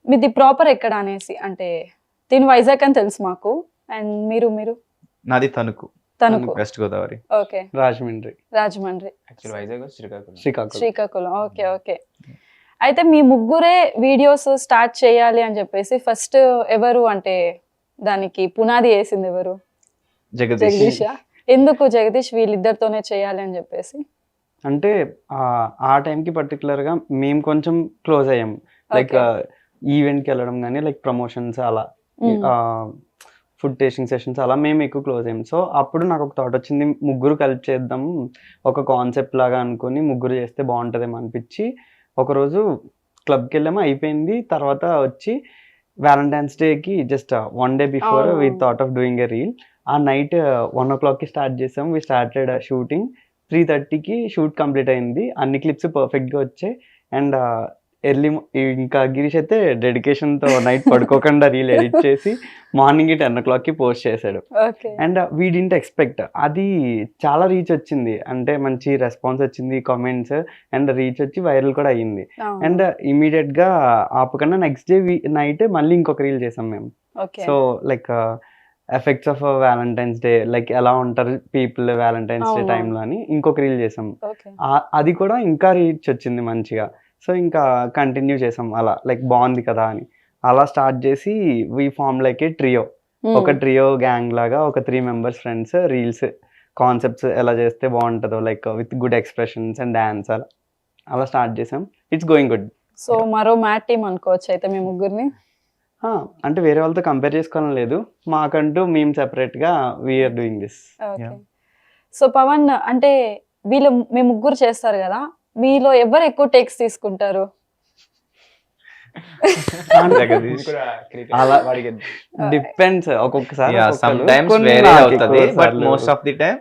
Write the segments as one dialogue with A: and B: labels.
A: మీది ప్రాపర్ ఎక్కడ అనేసి, అంటే దీని వైజాగ్ అని తెలుసు మాకు. అండ్ మీరు మీరు
B: నాది Tanuku,
A: Tanuku.
B: West Godavari.
A: Okay,
C: Rajahmundry.
A: Rajahmundry,
D: actual Vizag Srikakulam.
A: Srikakulam. Okay okay. అయితే మీ ముగ్గురే వీడియోస్ స్టార్ట్ చేయాలి అని చెప్పేసి ఫస్ట్ ఎవరు, అంటే దానికి పునాది వేసింది ఎవరు?
B: జగదీష్.
A: జగదీషా? ఎందుకు జగదీష్ వీళ్ళిద్దరితోనే చేయాలి అని చెప్పేసి?
C: అంటే ఆ టైంకి పర్టికులర్గా మేము కొంచెం క్లోజ్ అయ్యాం. లైక్ ఈవెంట్కి వెళ్ళడం కానీ లైక్ ప్రమోషన్స్ అలా ఫుడ్ టేస్టింగ్ సెషన్స్ అలా మేము ఎక్కువ క్లోజ్ అయ్యాం. సో అప్పుడు నాకు ఒక థాట్ వచ్చింది, ముగ్గురు కలిపి చేద్దాం ఒక కాన్సెప్ట్ లాగా అనుకుని ముగ్గురు చేస్తే బాగుంటుందేమో అనిపించి ఒకరోజు క్లబ్కి వెళ్ళాము, అయిపోయింది. తర్వాత వచ్చి వ్యాలంటైన్స్ డేకి just 1 day before we thought of doing a reel. ఆ నైట్ 1 o'clockకి స్టార్ట్ చేసాం. We started shooting. 3:30కి షూట్ కంప్లీట్ అయింది. అన్ని క్లిప్స్ పర్ఫెక్ట్గా వచ్చాయి. అండ్ ఎర్లీ ఇంకా గిరీష్ అయితే డెడికేషన్తో నైట్ పడుకోకుండా రీల్ ఎడిట్ చేసి మార్నింగ్ 10 o'clockకి పోస్ట్ చేశాడు. అండ్ వీ డింట్ ఎక్స్పెక్ట్, అది చాలా రీచ్ వచ్చింది. అంటే మంచి రెస్పాన్స్ వచ్చింది, కామెంట్స్ అండ్ రీచ్ వచ్చి వైరల్ కూడా అయ్యింది. అండ్ ఇమీడియట్గా ఆపకుండా నెక్స్ట్ డే నైట్ మళ్ళీ ఇంకొక రీల్ చేసాం మేము. So like effects of valentine's day, like ఎలా ఉంటారు పీపుల్ వ్యాలంటైన్స్ డే టైంలో అని ఇంకొక రీల్ చేసాం. అది కూడా ఇంకా రీచ్ వచ్చింది మంచిగా. సో ఇంకా కంటిన్యూ చేసాం అలా, లైక్ బాగుంది కదా అని అలా స్టార్ట్ చేసి we form like a trio. ఒక ట్రియో గ్యాంగ్ లాగా ఒక 3 members ఫ్రెండ్స్ రీల్స్ కాన్సెప్ట్స్ ఎలా చేస్తే బాగుంటుందో like with good expressions and dance అలా స్టార్ట్ చేసాం. It's going good.
A: సో మరో మ్యాట్ టీమ్ అనుకోవచ్చు అయితే మీ ముగ్గురిని?
C: అంటే వేరే వాళ్ళతో కంపేర్ చేసుకోవడం లేదు, మాకంటూ మేము సెపరేట్గా we are doing this.
A: So Pavan, అంటే వీళ్ళు మీ ముగ్గురు చేస్తారు కదా, మీలో ఎవరు ఎక్కువ టేక్స్ తీసుకుంటారు?
C: అలా డిపెండ్స్, ఒక్కొక్కసారి
B: మోస్ట్ ఆఫ్ ది టైం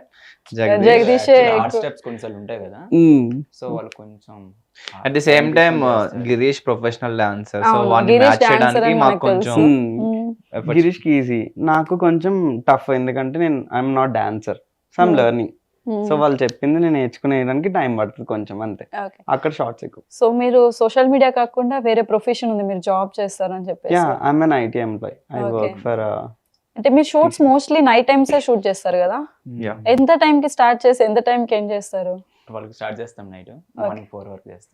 A: జగదీషే
D: స్టెప్స్ కొంచెం ఉంటాయి కదా, సో వాళ్ళు కొంచెం.
B: At the same time Girish professional dancer, so వాడిని
A: గిరీష్
B: మ్యాచ్ చేయడానికి
A: dancer
B: మాకు
A: అని
B: కొంచెం efforts.
C: గిరీష్కి ఈజీ, నాకు కొంచెం టఫ్. ఎందుకంటే నేను I'm not dancer, so I'm learning. So వాళ్ళు చెప్పింది నేను నేర్చుకునేదానికి టైం పడుతుంది కొంచెం, అంతే. అక్కడ షార్ట్స్ ఎక్కువ.
A: సో మీరు సోషల్ మీడియా కాకుండా వేరే ప్రొఫెషన్ ఉంది, మీరు జాబ్ చేస్తారని చెప్పేసి?
C: Yeah, I'm an IT employee. I work for.
A: అంటే మీరు shoots mostly night times shoot చేస్తారు కదా, ఎంత టైం కి స్టార్ట్ చేసి ఎంత టైం కి ఎండ్ చేస్తారు?
D: వాళ్ళకి స్టార్ట్ చేస్తాం నైట్, మార్నింగ్ 4 వరకు చేస్తాం.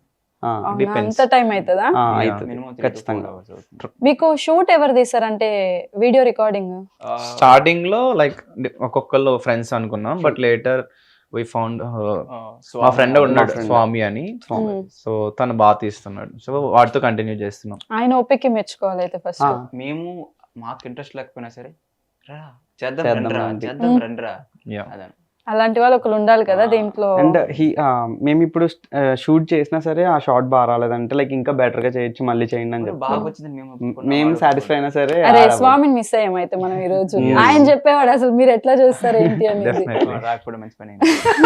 A: అంత టైం అవుతుందా?
C: ఖచ్చితంగా.
A: మీకు షూట్ ఎవరు తీసారంటే వీడియో రికార్డింగ్?
B: స్టార్టింగ్ లో లైక్ ఒక్కొక్కళ్ళు ఫ్రెండ్స్ అనుకున్నాం, బట్ లేటర్ వి ఫౌండ్ మా ఫ్రెండ్ ఉన్నాడు స్వామి అని, సో తను బాగా తీస్తున్నాడు, సో వాటితో కంటిన్యూ చేస్తున్నాం.
A: ఆయన ఓపిక మెచ్చుకోవాలి అయితే ఫస్ట్.
D: మేము మాకు ఇంట్రెస్ట్ లేకపోయినా సరే రా చేద్దాం రండ్రా అదే.
A: అలాంటి వాళ్ళు ఒకరు ఉండాలి కదా దీంట్లో.
C: అండ్ మేము ఇప్పుడు షూట్ చేసినా సరే ఆ షార్ట్ బాగా రాలేదంటే లైక్ ఇంకా బెటర్ గా చేయొచ్చు, మళ్ళీ చేయండి అని
D: బాగా
C: చెప్పి
D: వచ్చింది,
C: మేము సాటిస్ఫై అయినా సరే.
A: అరే స్వామిని మిస్ అయ్యాం అయితే మనం ఈ రోజు. ఆయన చెప్పేవాడు అసలు మీరు ఎట్లా చేస్తారు ఏంటి అనేది.
D: రాకపోవడం మంచి పని.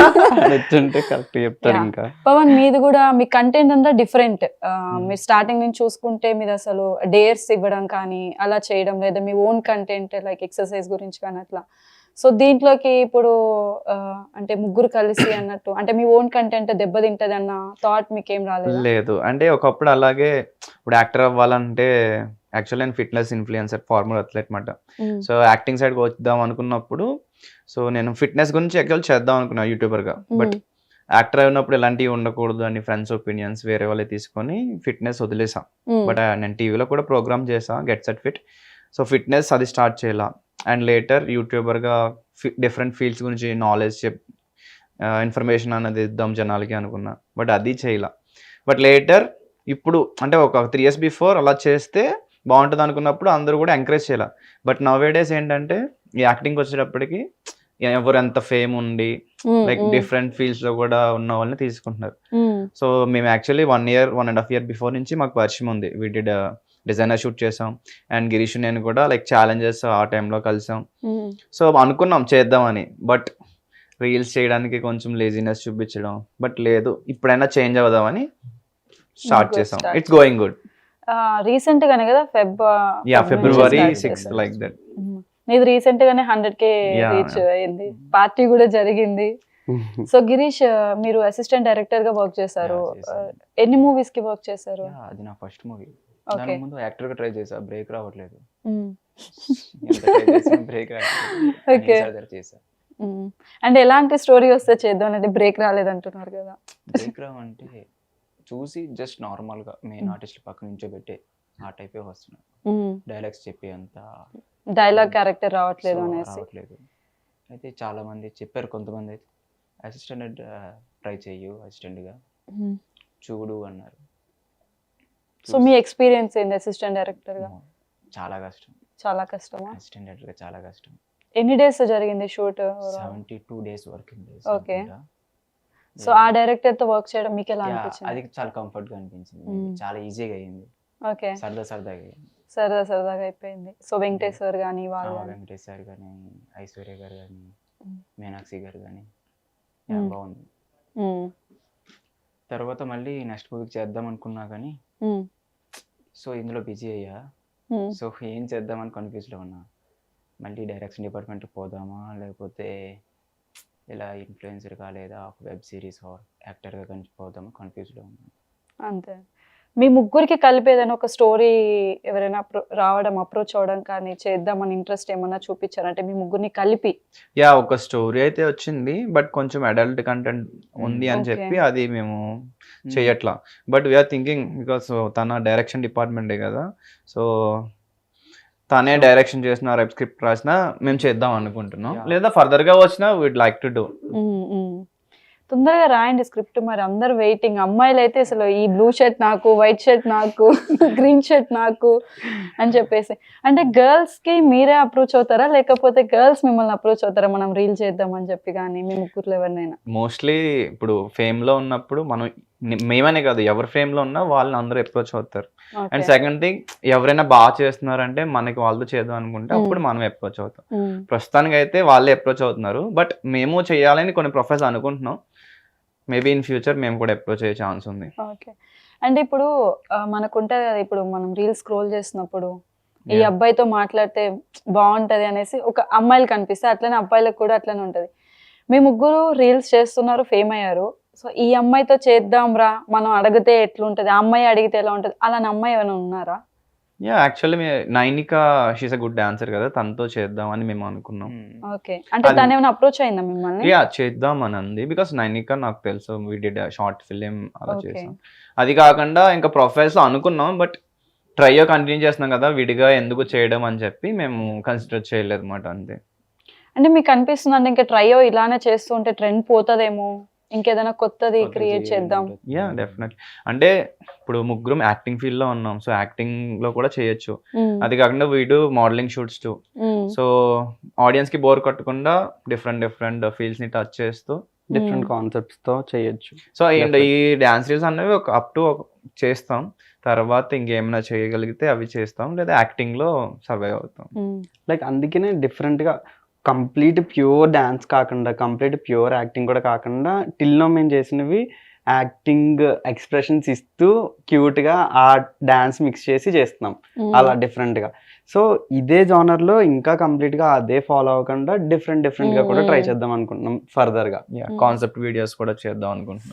C: నచ్చుంటే కరెక్ట్ చెప్తారు. ఇంకా
A: పవన్, మీది కూడా మీ కంటెంట్ అంతా డిఫరెంట్. మీరు స్టార్టింగ్ నుంచి చూసుకుంటే మీరు అసలు డేర్స్ ఇవ్వడం కానీ అలా చేయడం, లేదా మీ ఓన్ కంటెంట్ లైక్ ఎక్సర్సైజ్ గురించి కానీ అట్లా. సో దీంట్లోకి ఇప్పుడు అంటే ముగ్గురు కలిసి అన్నట్టు, అంటే మీ ఓన్ కంటెంట్ దెబ్బతింటది అన్న థాట్ మీకేం రాలేదు?
B: లేదు, అంటే ఒకప్పుడు అలాగే ఇప్పుడు యాక్టర్ అవ్వాలంటే యాక్చువల్లీ నేను ఫిట్నెస్ ఇన్ఫ్లుయెన్సర్, ఫార్మర్ అథ్లెట్ మాట. సో యాక్టింగ్ సైడ్కి వద్దాం అనుకున్నప్పుడు సో నేను ఫిట్నెస్ గురించి యాక్చువల్ చేద్దాం అనుకున్నా యూట్యూబర్గా, బట్ యాక్టర్ అయినప్పుడు ఎలాంటివి ఉండకూడదు అని ఫ్రెండ్స్ ఒపీనియన్స్ వేరే వాళ్ళే తీసుకొని ఫిట్నెస్ వదిలేసాం. బట్ నేను టీవీలో కూడా ప్రోగ్రామ్ చేసా, get set fit. So fitness అది స్టార్ట్ చేయాల. అండ్ లేటర్ యూట్యూబర్గా డిఫరెంట్ ఫీల్డ్స్ గురించి నాలెడ్జ్ ఇన్ఫర్మేషన్ అనేది ఇద్దాం జనాలకి అనుకున్నా, బట్ అది చేయలా. బట్ లేటర్ ఇప్పుడు అంటే ఒక 3 years బిఫోర్ అలా చేస్తే బాగుంటుంది అనుకున్నప్పుడు అందరూ కూడా ఎంకరేజ్ చేయాల. బట్ నవ్ డేస్ ఏంటంటే ఈ యాక్టింగ్కి వచ్చేటప్పటికి ఎవరు ఎంత ఫేమ్ ఉండి లైక్ డిఫరెంట్ ఫీల్డ్స్ లో కూడా ఉన్న వాళ్ళని తీసుకుంటున్నారు. సో మేము యాక్చువల్లీ 1.5 year బిఫోర్ నుంచి మాకు పరిచయం ఉంది. వీ డిడ్ డిజైనర్ షూట్ చేసాం, అండ్ గిరీష్ నేను కూడా లైక్ ఛాలెంజెస్ ఆ టైంలో కలిసాం. సో అనుకున్నాం చేద్దామని, బట్ రీల్స్ చేయడానికి కొంచెం లేజినెస్ చూపించడం, బట్ లేదు ఇప్పుడైనా చేంజ్ అవుదామని స్టార్ట్ చేసాం. It's going good.
A: రీసెంట్ గానే కదా
B: February 6th లైక్ దట్.
A: నీది రీసెంట్ గానే 100K రీచ్ అయింది, పార్టీ కూడా జరిగింది. సో గిరీష్, మీరు అసిస్టెంట్ డైరెక్టర్ గా వర్క్ చేశారు, ఎన్ని మూవీస్ కి వర్క్ చేశారు?
D: అది నా ఫస్ట్ మూవీ.
A: ఓకే
D: దాని ముందు యాక్టర్ గా ట్రై చేసా, బ్రేక్ రావట్లేదు. ఎంత ట్రై చేసినా బ్రేక్ రావట్లేదు.
A: ఓకే
D: చేసా.
A: అంటే ఎలాంటి స్టోరీ వస్తే చేద్దాం అంటే బ్రేక్ రాలేదంటున్నారు కదా.
D: బ్రేక్ రావంటే చూసి జస్ట్ నార్మల్ గా మెయిన్ ఆర్టిస్ట్ పక్క నుంచో పెట్టే ఆ టైపే వస్తున్నాయి. డైలాగ్స్ చెప్పి అంత
A: డైలాగ్ క్యారెక్టర్ రావట్లేదు
D: సో
A: అనేసి.
D: రావట్లేదు. అయితే చాలా మంది చెప్పారు, కొంతమంది అయితే అసిస్టెంట్ ట్రై చెయ్యు, అసిస్టెంట్ గా చూడు అన్నారు.
A: సో మీ ఎక్స్పీరియన్స్ ఏంది అసిస్టెంట్ డైరెక్టర్ గా?
D: చాలా కష్టం.
A: చాలా కష్టమా?
D: అసిస్టెంట్ డైరెక్టర్ గా చాలా కష్టం.
A: ఎన్ని డేస్ జరిగింది shoot?
D: 72 days working days.
A: Okay. So ఆ డైరెక్టర్ తో వర్క్ చేయడం మీకు ఎలా
D: అది
A: అనిపించింది?
D: చాలా కంఫర్ట్ గా అనిపించింది. చాలా ఈజీగా అయింది,
A: ఓకే
D: సరదాగా అయింది.
A: సరదాగా అయిపోయింది. సో వెంకటేష్ సార్ కానీ వాళ్ళు గానీ?
D: వెంకటేష్ సార్ కానీ, ఐశ్వర్య గారు కానీ, మీనాక్షి గారు కానీ
A: మ్మ్.
D: బాగుంది.
A: మ్మ్.
D: తర్వాత మళ్ళీ నెక్స్ట్ మూవీకి చేద్దాం అనుకున్నా కానీ
A: మ్మ్.
D: సో ఇందులో బిజీ అయ్యా.
A: మ్మ్.
D: సో ఏం చేద్దామని కన్ఫ్యూజ్లో ఉన్నా. మళ్ళీ డైరెక్షన్ డిపార్ట్మెంట్ పోదామా, లేకపోతే ఇలా ఇన్ఫ్లుయెన్సర్గా లేదా వెబ్ సిరీస్ ఆర్ యాక్టర్గా కానీ పోదామా కన్ఫ్యూజ్లో ఉన్నాను.
A: అంతే. మీ ముగ్గురికి కలిపి ఏదైనా ఒక స్టోరీ ఎవరైనా రావడం అప్రోచ్ అవ్వడం కానీ చేద్దామని ఇంట్రెస్ట్ ఏమన్నా చూపించారంటే మీ ముగ్గురిని కలిపి?
B: యా, ఒక స్టోరీ అయితే వచ్చింది, బట్ కొంచెం అడల్ట్ కంటెంట్ ఉంది అని
A: Okay.
B: చెప్పి అది మేము చెయ్యట్లా. బట్ వీఆర్ థింకింగ్ బికాస్ తన డైరెక్షన్ డిపార్ట్మెంటే కదా, సో తనే డైరెక్షన్ చేసిన రేపు స్క్రిప్ట్ రాసినా మేము చేద్దాం అనుకుంటున్నాం.
D: Yeah.
B: లేదా ఫర్దర్ గా వచ్చినా వీడ్ లైక్ టు డూ.
A: తొందరగా రాయండి స్క్రిప్ట్, మరి అందరు వెయిటింగ్. అమ్మాయిలు అయితే అసలు ఈ బ్లూ షర్ట్ నాకు, వైట్ షర్ట్ నాకు, గ్రీన్ షర్ట్ నాకు అని చెప్పేసి. అంటే గర్ల్స్ కి మీరే అప్రోచ్ అవుతారా లేకపోతే గర్ల్స్ మిమ్మల్ని అప్రోచ్ అవుతారా మనం రీల్ చేద్దాం అని చెప్పి? కానీ మీ ముగ్గురులో ఎవరినైనా?
B: మోస్ట్లీ ఇప్పుడు ఫేమ్ లో ఉన్నప్పుడు మనం మేమనే కాదు, ఎవరి ఫేమ్ లో ఉన్నా వాళ్ళని అందరూ అప్రోచ్ అవుతారు. అండ్ సెకండ్ థింగ్, ఎవరైనా బాగా చేస్తున్నారంటే మనకి వాళ్ళతో చేద్దాం అనుకుంటే అప్పుడు మనం అప్రోచ్ అవుతాం. ప్రస్తుతానికి అయితే వాళ్ళే అప్రోచ్ అవుతున్నారు, బట్ మేము చేయాలని కొన్ని ప్రొఫెస్ అనుకుంటున్నాం. మేబీ ఇన్ ఫ్యూచర్ మేము కూడా అప్రోచ్ అయ్యే ఛాన్స్ ఉంది.
A: ఓకే. అంటే ఇప్పుడు మనకుంటది కదా, ఇప్పుడు మనం రీల్ స్క్రోల్ చేసినప్పుడు ఈ
B: Yeah.
A: అబ్బాయితో మాట్లాడితే బాగుంటది అనేసి ఒక అమ్మాయిలు కనిపిస్తే అట్లనే అబ్బాయిలకు కూడా అట్లనే ఉంటది. మీ ముగ్గురు రీల్స్ చేస్తున్నారు, ఫేమ్ అయ్యారు. సో ఈ అమ్మాయితో చేద్దాం రా, మనం అడిగితే ఎట్లుంటది, ఆ అమ్మాయి అడిగితే ఎలా ఉంటది, అలాంటి అమ్మాయి ఏమైనా ఉన్నారా?
B: Yeah, actually Nainika she's a good dancer కదా, తనతో చేద్దాం అని మేము అనుకున్నాం.
A: ఓకే. అంటే
B: అది-
A: తను ఏమైనా అప్రోచ్ అయిందా మిమ్మల్ని?
B: యా, చేద్దాం అని అంది. బికాస్ నైనిక నాకు తెలుసు, వీ డిడ్ షార్ట్ ఫిలిం అలా
A: Okay.
B: చేసాం. అది కాకుండా ఇంకా ప్రొఫైల్స్ అనుకున్నాం, బట్ ట్రైయో కంటిన్యూ చేస్తున్నాం కదా, విడిగా ఎందుకు చేయడం అని చెప్పి మేము కన్సిడర్ చేయలేదు అనమాట. అంతే.
A: అంటే మీకు అనిపిస్తుంది అంటే ఇంకా ట్రైయో ఇలానే చేస్తూ ఉంటే ట్రెండ్ పోతుందేమో, ఇంకేదైనా కొత్తది క్రియేట్ చేద్దాం?
B: Yeah, definitely. అంటే ఇప్పుడు ముగ్గురం యాక్టింగ్ ఫీల్డ్ లో ఉన్నాం, సో యాక్టింగ్ లో కూడా చేయొచ్చు. అది కాకుండా వీడు modelling shoots too, so audience కి బోర్ కొట్టకుండా డిఫరెంట్ ఫీల్డ్స్ ని టచ్ చేస్తూ
C: డిఫరెంట్ కాన్సెప్ట్స్ తో చేయొచ్చు.
B: సో అండ్ ఈ డాన్స్ రీల్స్ అనేవి ఒక అప్ టు చేస్తాం, తర్వాత ఇంకేమైనా చేయగలిగితే అవి చేస్తాం, లేదా యాక్టింగ్ లో సర్వైవ్ అవుతాం.
C: లైక్ అందుకనే డిఫరెంట్ గా కంప్లీట్ ప్యూర్ డాన్స్ కాకుండా, కంప్లీట్ ప్యూర్ యాక్టింగ్ కూడా కాకుండా, టిల్లో మేము చేసినవి యాక్టింగ్ ఎక్స్ప్రెషన్స్ ఇస్తూ క్యూట్ గా ఆ డాన్స్ మిక్స్ చేసి చేస్తున్నాం అలా డిఫరెంట్ గా. సో ఇదే జానర్ లో ఇంకా కంప్లీట్ గా అదే ఫాలో అవ్వకుండా డిఫరెంట్ గా కూడా ట్రై చేద్దాం అనుకుంటున్నాం ఫర్దర్ గా.
B: కాన్సెప్ట్ వీడియోస్ కూడా చేద్దాం అనుకుంటున్నాం.